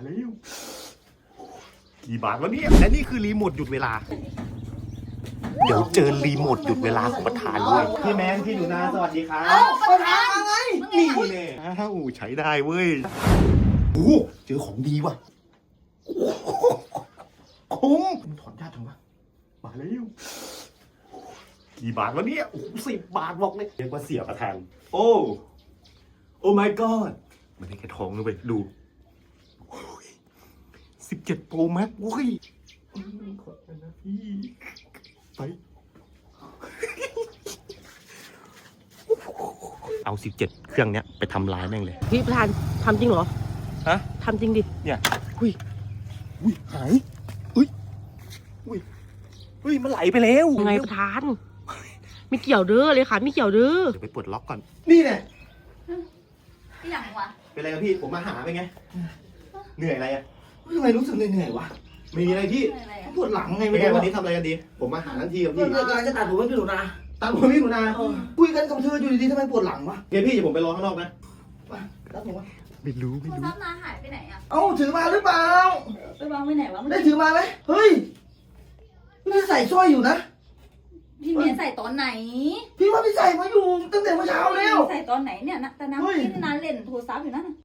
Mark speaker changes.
Speaker 1: แล้วกี่บาทวะเนี่ยและนี่คือรีโมทหยุดเวลาเดี๋ยวเจอรีโมทหยุดเวลาของประธานด้วยพี่แมนพี่หนูนาสวัสดีครับ
Speaker 2: ประธานไง
Speaker 1: นี่เนี่ยอ้าวใช้ได้เว้ยโอ้เจอของดีว่ะคุ้มมันถอนยากจังวะมาแล้วกี่บาทวะเนี่ยโอ้10 บาทบอกเลยเรียกว่าเสียประธานโอ้ my god มันได้แค่ทองนะเว้ยดู17 Pro Max โอ้ยขอบคุณนะพี่ไปเอา17เครื่องเนี้ยไปทำลายแม่งเลย
Speaker 2: พี่ประธานทำจริงเหรอ
Speaker 1: ฮะ
Speaker 2: ทำจริงดิ
Speaker 1: เนี่ยอุ้ยหายอุ้ยมันไหลไปแล้ว
Speaker 2: ยังไงประธาน ไม่เกี่ยวเด้อเลยค่ะไม่เกี่ยวเด้อ
Speaker 1: เดี๋ยวไปปลดล็อกก่อนนี่แหละ
Speaker 3: ที่หลังวะ
Speaker 1: เป็นไรครับพี่ผมมาหาเป็นไงเหนื่อยอะไรอ่ะ
Speaker 4: ทำไมรู้สึกเหนื่อยๆวะ
Speaker 1: ไม่มีอะไรพี่
Speaker 3: อะไรอะ
Speaker 4: ปวดหลังไง
Speaker 1: เป็น
Speaker 4: ไม่
Speaker 1: ไง
Speaker 4: รู้
Speaker 1: วันนี้ทำอะไรกันดีผมมาหาทั้งทีครับ
Speaker 4: พี่
Speaker 1: พี่
Speaker 4: กำลังจะตัดผมให้พี่หนูนา
Speaker 1: ตามผมพี่หนูนา
Speaker 4: คุยกันกับเธออยู่ดีๆทำไมปวดหลังวะ
Speaker 1: เดี๋ยวพี่เดี๋ยวผมไปรอข้างนอกนะ
Speaker 4: มารับผมวะ
Speaker 1: ไม่รู้
Speaker 3: โทรศัพท์นาหายไปไหนอ่ะ
Speaker 4: เอ้าถือมาหรือเปล่า
Speaker 3: ไปวางไว้ไหนวะ
Speaker 4: ได้ถือมาไหมเฮ้ยพี่ใส่สร้อยอยู่นะ
Speaker 3: พี่เมียใส่ตอนไหน
Speaker 4: พี่ว่าพี่ใส่มาอยู่ตั้งแต่เมื่อเช้าแล้ว
Speaker 3: ใส่ตอนไหนเนี่ยนะแต่น้ำ
Speaker 4: เฮ้ย
Speaker 3: กินนานเล่นโทรศัพท์อยู่นั่นน่ะ